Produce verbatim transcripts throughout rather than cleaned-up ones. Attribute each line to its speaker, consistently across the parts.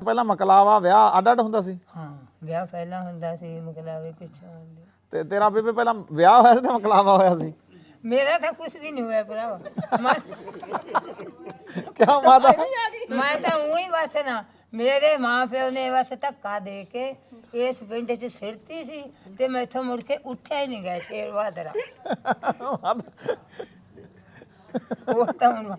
Speaker 1: ਪਹਿਲਾਂ ਮਕਲਾਵਾ ਵਿਆਹ ਅੱਡ ਅੱਡ ਹੁੰਦਾ ਸੀ?
Speaker 2: ਹਾਂ ਵਿਆਹ ਪਹਿਲਾਂ ਹੁੰਦਾ ਸੀ, ਮਕਲਾਵੇ ਪਿੱਛੋਂ ਹੁੰਦੇ।
Speaker 1: ਤੇ ਤੇਰਾ ਬੇਬੇ ਪਹਿਲਾਂ ਵਿਆਹ ਹੋਇਆ ਸੀ ਤੇ ਮਕਲਾਵਾ ਹੋਇਆ ਸੀ?
Speaker 2: ਮੇਰਾ ਤਾਂ ਕੁਝ ਵੀ ਨਹੀਂ ਹੋਇਆ ਭਰਾਵਾ। ਮੈਂ
Speaker 1: ਕਿਆ ਮਾਤਾ?
Speaker 2: ਮੈਂ ਤਾਂ ਉਹੀ ਬਸ ਨਾ, ਮੇਰੇ ਮਾਂ ਪਿਓ ਨੇ ਬਸ ਧੱਕਾ ਦੇ ਕੇ ਇਸ ਪਿੰਡ 'ਚ ਸਿਰਤੀ ਸੀ ਤੇ ਮੈਥੋਂ ਮੁੜ ਕੇ ਉੱਠਿਆ ਹੀ ਨਹੀਂ ਗਿਆ ਸ਼ੇਰ ਬਹਾਦਰਾ। ਉਹ ਤਾਂ ਹੁਣ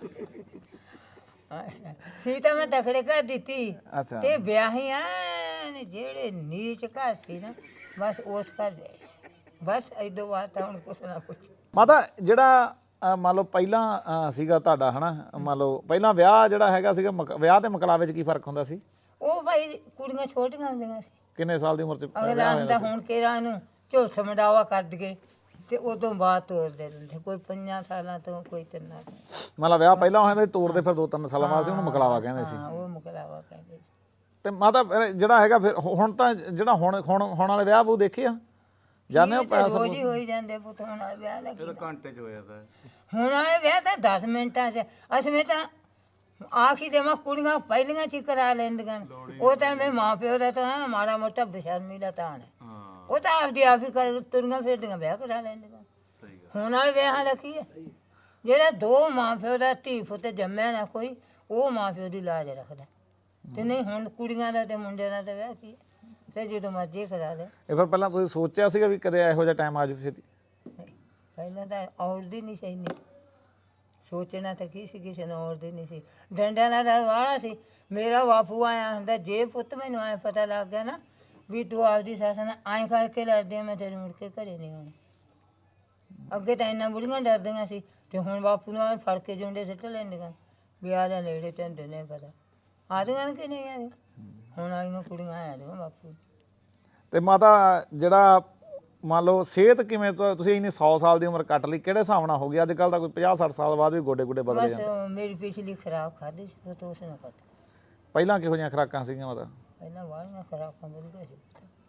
Speaker 2: ਸੀ ਤਾਂ ਮੈਂ ਤਕੜੇ ਘਰ ਦਿੱਤੀ
Speaker 1: ਅੱਛਾ।
Speaker 2: ਤੇ ਵਿਆਹੀਆਂ ਨੇ ਜਿਹੜੇ ਨੀਚ ਘਰ ਸੀ ਨਾ, ਬਸ ਉਸ ਘਰ ਗਏ ਬਸ। ਇਦੋਂ ਬਾਅਦ ਤਾਂ ਹੁਣ ਕੁਛ ਨਾ ਕੁਛ।
Speaker 1: ਮਾਤਾ ਜਿਹੜਾ ਅ, ਮੰਨ ਲਓ ਪਹਿਲਾਂ ਅ, ਸੀਗਾ ਤੁਹਾਡਾ ਹਨਾ, ਮੰਨ ਲਓ ਪਹਿਲਾਂ ਵਿਆਹ ਜਿਹੜਾ ਹੈਗਾ ਸੀਗਾ ਮਕ- ਵਿਆਹ ਤੇ ਮਕਲਾਵੇ 'ਚ ਕੀ ਫਰਕ ਹੁੰਦਾ ਸੀ?
Speaker 2: ਉਹ ਭਾਈ ਕੁੜੀਆਂ ਛੋਟੀਆਂ ਹੁੰਦੀਆਂ ਸੀ।
Speaker 1: ਕਿੰਨੇ ਸਾਲ ਦੀ ਉਮਰ 'ਚ
Speaker 2: ਅਗਲਾ
Speaker 1: ਵਿਆਹ
Speaker 2: ਹੁੰਦਾ
Speaker 1: ਹੋਇਆ ਸੀ?
Speaker 2: ਹੁਣ ਕਿਹੜਾ ਨੂੰ ਝੁਲਸ ਮਡਾਵਾ ਕਰ ਦਈਏ ਤੇ ਉਦੋਂ ਬਾਅਦ ਤੋੜ ਦੇ ਦਿੰਦੇ, ਕੋਈ ਪੰਜਾਂ ਸਾਲਾਂ ਤੋਂ, ਕੋਈ ਤਿੰਨਾਂ ਤੋਂ।
Speaker 1: ਮੰਨ ਲਾ ਵਿਆਹ ਪਹਿਲਾਂ ਹੋਇਆ ਤੇ ਤੋੜਦੇ ਫਿਰ ਦੋ ਤਿੰਨ ਸਾਲਾਂ ਬਾਅਦ ਸੀ, ਉਹਨੂੰ ਮਕਲਾਵਾ ਕਹਿੰਦੇ ਸੀ।
Speaker 2: ਹਾਂ ਉਹ ਮੁਕਲਾਵਾ ਕਹਿੰਦੇ ਸੀ।
Speaker 1: ਤੇ ਮਾਤਾ ਫਿਰ ਜਿਹੜਾ ਹੈਗਾ ਫਿਰ ਹੁਣ ਤਾਂ ਜਿਹੜਾ ਹੁਣ ਹੁਣ ਹੁਣ ਵਾਲੇ ਵਿਆਹ ਉਹ ਦੇਖੇ ਆ ਜਾਣੇ ਹੋ? ਪੈਸਾ
Speaker 2: ਰੋਜ਼ ਹੀ ਹੋਈ ਜਾਂਦੇ ਪੁੱਤ। ਹੁਣ ਆ ਵਿਆਹ ਲੱਗੀ
Speaker 3: ਇਹ ਤਾਂ ਘੰਟੇ ਚ ਹੋ ਜਾਂਦਾ।
Speaker 2: ਹੁਣ ਆਏ ਵਿਆਹ ਤਾਂ ਦਸ ਮਿੰਟਾਂ 'ਚ। ਅਸੀਂ ਤਾਂ ਆਖੀ ਦੇ ਮੈਂ ਕੁੜੀਆਂ ਪਹਿਲੀਆਂ 'ਚ ਹੀ ਕਰਾ ਲੈਂਦੀਆਂ ਨੇ। ਉਹ ਤਾਂ ਮੈਂ ਮਾਂ ਪਿਓ ਦਾ ਤਾਂ ਮਾੜਾ ਮੋਟਾ ਬੇਸ਼ਰਮੀ ਦਾ ਤਾਂ ਹੈ।
Speaker 3: ਹਾਂ
Speaker 2: ਉਹ ਤਾਂ ਆਪਦੀ ਆਪ ਹੀ ਕਰ ਤੁਰੀਆਂ ਫਿਰਦੀਆਂ ਵਿਆਹ ਕਰਾ ਲੈਂਦੀਆਂ।
Speaker 3: ਸਹੀ ਗੱਲ।
Speaker 2: ਹੁਣ ਵਾਲੇ ਵਿਆਹਾਂ ਦਾ ਕੀ ਹੈ? ਜਿਹੜਾ ਦੋ ਮਾਂ ਪਿਓ ਦਾ ਧੀ ਪੁੱਤ ਜੰਮਿਆ ਨਾ ਕੋਈ, ਉਹ ਮਾਂ ਪਿਓ ਦੀ ਲਾਜ ਰੱਖਦਾ। ਤੇ ਨਹੀਂ ਹੁਣ ਕੁੜੀਆਂ ਦਾ ਤੇ ਮੁੰਡਿਆਂ ਦਾ ਤਾਂ ਵਿਆਹ ਕੀ ਹੈ, ਤੇ ਜਦੋਂ ਮਰਜ਼ੀ ਕਰਾ ਲੈ।
Speaker 1: ਇਹ ਫਿਰ ਪਹਿਲਾਂ ਤੁਸੀਂ ਸੋਚਿਆ ਸੀਗਾ ਵੀ ਕਦੇ ਇਹੋ ਜਿਹਾ ਟਾਈਮ ਆ ਜਾਵੇ ਛੇਤੀ?
Speaker 2: ਪਹਿਲਾਂ ਤਾਂ ਔਰਦੀ ਨਹੀਂ ਸੀ ਇੰਨੀ। ਸੋਚਣਾ ਤਾਂ ਕੀ ਸੀ, ਕਿਸੇ ਨੂੰ ਔਰਦੀ ਨਹੀਂ ਸੀ। ਡੰਡਿਆਂ ਦਾ ਡਰ ਵਾਲਾ ਸੀ। ਮੇਰਾ ਬਾਪੂ ਆਇਆ ਹੁੰਦਾ, ਜੇ ਪੁੱਤ ਮੈਨੂੰ ਐਂ ਪਤਾ ਲੱਗ ਗਿਆ ਨਾ ਵੀ ਤੂੰ ਆਪਦੀ ਸੱਸ ਨਾਲ ਐਂ ਕਰਕੇ ਲੜਦੀ ਆ, ਮੈਂ ਤੇਰੇ ਮੁੜ ਕੇ ਘਰੇ ਨਹੀਂ ਆਉਣੀ। ਅੱਗੇ ਤਾਂ ਇੰਨਾ ਬੁੜੀਆਂ ਡਰਦੀਆਂ ਸੀ ਤੇ ਹੁਣ ਬਾਪੂ ਨੂੰ ਐਂ ਫੜ ਕੇ ਜੁੰਡੇ ਸਿੱਟ ਲੈਂਦੀਆਂ ਵੀ ਆ ਜਾ ਨੇੜੇ ਤੈਨੂੰ ਨਹੀਂ ਪਤਾ। ਆਦੀਆਂ ਕਿ ਨਹੀਂ ਆਦੀਆਂ? ਹੁਣ ਆਈਆਂ ਕੁੜੀਆਂ ਆਇਆ ਦੀਆਂ ਬਾਪੂ।
Speaker 1: ਤੇ ਮਾਤਾ ਜਿਹੜਾ ਮੰਨ ਲਓ ਸਿਹਤ ਕਿਵੇਂ, ਤੁ- ਤੁਸੀਂ ਇੰਨੀ ਸੌ ਸਾਲ ਦੀ ਉਮਰ ਕੱਟ ਲਈ, ਕਿਹੜੇ ਹਿਸਾਬ ਨਾਲ ਹੋ ਗਈ? ਅੱਜ ਕੱਲ੍ਹ ਤਾਂ ਕੋਈ ਪੰਜਾਹ ਸੱਠ ਸਾਲ ਬਾਅਦ ਵੀ ਗੋਡੇ ਗੋਡੇ ਬਦਲ
Speaker 2: ਬਸ
Speaker 1: ਜਾਂਦੇ।
Speaker 2: ਮੇਰੀ ਪਿਛਲੀ ਖਰਾਬ ਖਾਧੀ ਸੀ ਉਹ ਤੋਂ ਉਸ ਨੇ ਪਤਾ।
Speaker 1: ਪਹਿਲਾਂ ਕਿਹੋ ਜਿਹੀਆਂ ਖੁਰਾਕਾਂ ਸੀਗੀਆਂ ਮਾਤਾ?
Speaker 2: ਪਹਿਲਾਂ ਵਾਲੀਆਂ ਖਰਾਕਾਂ ਮਿਲਦੀਆਂ ਸੀ।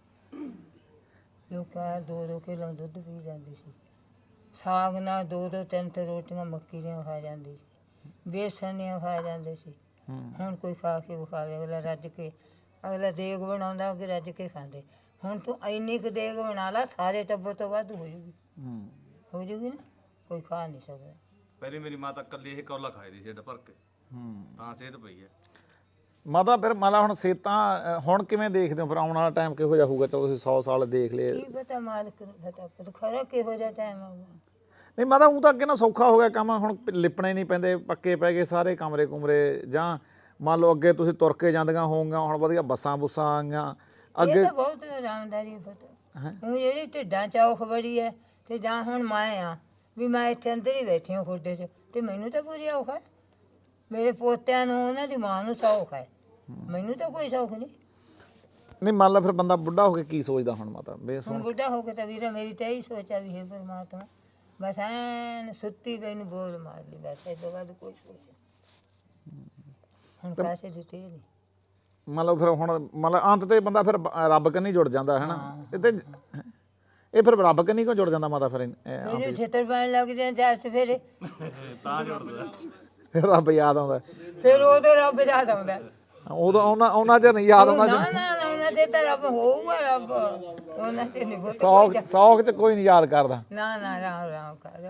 Speaker 2: ਲੋਕਾਂ ਦੋ ਦੋ ਕਿਲੋ ਦੁੱਧ ਪੀ ਜਾਂਦੀ ਸੀ। ਸਾਗ ਨਾਲ ਦੋ ਦੋ ਤਿੰਨ ਤਿੰਨ ਰੋਟੀਆਂ ਮੱਕੀ ਦੀਆਂ ਖਾ ਜਾਂਦੀ ਸੀ। ਬੇਸਣ ਦੀਆਂ ਖਾ ਜਾਂਦੇ ਸੀ। ਹੁਣ ਕੋਈ ਖਾ ਕੇ ਵਿਖਾਵੇ, ਅਗਲਾ ਰੱਜ ਕੇ, ਅਗਲਾ ਦੇਗ ਬਣਾਉਂਦਾ ਅੱਗੇ ਰੱਜ ਕੇ ਖਾਂਦੇ। ਹੁਣ ਤੂੰ ਇੰਨੀ ਕੁ ਦੇਗ ਬਣਾ ਲਾ, ਸਾਰੇ ਟੱਬਰ ਤੋਂ ਵੱਧ ਹੋ ਜੂਗੀ।
Speaker 1: ਹੂੰ।
Speaker 2: ਹੋ ਜੂਗੀ ਨਾ, ਕੋਈ ਖਾ ਨਹੀਂ ਸਕਦਾ।
Speaker 3: ਪਹਿਲੇ ਮੇਰੀ ਮਾਤਾ ਇਕੱਲੀ ਇਹ ਕੌਲਾ ਖਾਈ ਦੀ ਸੀ ਢਿੱਡ ਭਰ ਕੇ।
Speaker 1: ਹੂੰ।
Speaker 3: ਤਾਂ ਸਿਹਤ ਪਈ ਹੈ।
Speaker 1: ਮਾਤਾ ਫਿਰ ਮੰਨ ਲਾ ਹੁਣ ਸਿਹਤਾਂ ਅ, ਹੁਣ ਕਿਵੇਂ ਦੇਖਦੇ ਹੋ? ਫਿਰ ਆਉਣ ਵਾਲਾ ਟਾਈਮ ਕਿਹੋ ਜਿਹਾ ਹੋਊਗਾ? ਚਲੋ ਤੁਸੀਂ ਸੌ ਸਾਲ ਦੇਖ ਲਏ।
Speaker 2: ਕੀ ਪਤਾ ਮਾਲਕ ਨੂੰ ਪਤਾ, ਪਰ ਖਰਾ ਕਿਹੋ ਜਿਹਾ ਟਾਈਮ ਆਊਗਾ।
Speaker 1: ਨਹੀਂ ਮਾਤਾ, ਉਹ ਤਾਂ ਅੱਗੇ ਨਾ ਸੌਖਾ ਹੋ ਗਿਆ ਕੰਮ, ਹੁਣ ਲਿਪਣੇ ਨਹੀਂ ਪੈਂਦੇ, ਪੱਕੇ ਪੈ ਗਏ ਸਾਰੇ ਕਮਰੇ ਕੁਮਰੇ। ਜਾਂ ਮੰਨ ਲਓ ਅੱਗੇ ਤੁਸੀਂ ਤੁਰ ਕੇ ਜਾਂਦੀਆਂ ਹੋਊਗੀਆਂ, ਹੁਣ ਵਧੀਆ ਬੱਸਾਂ ਬੁੱਸਾਂ ਆ ਗਈਆਂ ਅੱਗੇ।
Speaker 2: ਇਹ ਤਾਂ ਬਹੁਤ ਆਰਾਮਦਾਰੀ ਪਤਾ। ਹੁਣ ਜਿਹੜੀ ਢਿੱਡਾਂ ਚੌਖ ਬੜੀ ਹੈ, ਤੇ ਜਾਂ ਹੁਣ ਮੈਂ ਆ ਵੀ ਮੈਂ ਇੱਥੇ ਅੰਦਰ ਹੀ ਬੈਠੀ ਹਾਂ ਖੁੱਡੇ 'ਚ, ਤੇ ਮੈਨੂੰ ਤਾਂ ਪੂਰੀ ਔਖ ਹੈ। ਮੇਰੇ ਪੋਤਿਆਂ ਨੂੰ ਉਹਨਾਂ ਦੀ ਮਾਂ ਨੂੰ ਸੌਖ ਹੈ, ਮੈਨੂੰ ਤਾਂ ਕੋਈ ਸੌਖ ਨਹੀਂ।
Speaker 1: ਨਹੀਂ ਮੰਨ ਲਾ ਫਿਰ ਬੰਦਾ ਬੁੱਢਾ ਹੋ ਕੇ ਕੀ ਸੋਚਦਾ ਹੁਣ ਮਾਤਾ? ਬੇਸ
Speaker 2: ਹੁਣ ਬੁੱਢਾ ਹੋ ਕੇ ਤਾਂ ਵੀਰਾ ਮੇਰੀ ਤਾਂ ਇਹੀ ਸੋਚਿਆ ਵੀ ਹੈ ਪਰਮਾਤਮਾ, ਬਸ ਐਨ ਸੁੱਤੀ ਪਈ ਨੂੰ ਬੋਲ ਮਾਰ ਲਈ, ਬਸ ਇਹ ਤੋਂ ਬਾਅਦ ਕੋਈ ਸੋਚ ਨਹੀਂ। ਹੁਣ ਪੈਸੇ ਦਿੱਤੇ ਨਹੀਂ।
Speaker 1: ਮੰਨ ਲਓ ਫਿਰ ਹੁਣ ਮੰਨ ਲਾ ਅੰਤ ਤੇ ਬੰਦਾ ਫਿਰ ਬ- ਰੱਬ ਕੰਨੀ ਜੁੜ ਜਾਂਦਾ ਹੈ ਨਾ। ਇਹ ਤੇ ਇਹ ਫਿਰ ਰੱਬ ਕੰਨੀ ਕਿਉਂ ਜੁੜ ਜਾਂਦਾ ਮਾਤਾ? ਫਿਰ ਇਹ-
Speaker 2: ਮੇਰੇ ਛੇਤਰ ਪੈਣ ਲੱਗ ਜਾਂਦੇ ਚਾਰ ਸਵੇਰੇ,
Speaker 3: ਤਾਂ ਜੁੜਦਾ।
Speaker 1: ਫਿਰ ਰੱਬ ਯਾਦ ਆਉਂਦਾ।
Speaker 2: ਫਿਰ ਉਹਦੇ ਰੱਬ ਯਾਦ ਆਉਂਦਾ।
Speaker 1: ਉਦੋਂ ਉਹਨਾਂ ਉਹਨਾਂ ਚ ਨਹੀਂ ਯਾਦ ਆਉਂਦਾ।
Speaker 2: ਨਾ ਨਾ ਨਾ ਉਹਨਾਂ ਤੇ ਤਾਂ ਰੱਬ ਹੋਊਗਾ, ਰੱਬ ਉਹਨਾਂ ਤੇ ਨਹੀਂ।
Speaker 1: ਸੌਖ ਸੌਖ ਚ ਕੋਈ ਨਹੀਂ ਯਾਦ ਕਰਦਾ।
Speaker 2: ਨਾ ਨਾ ਰਾਮ ਰਾਮ ਕਰ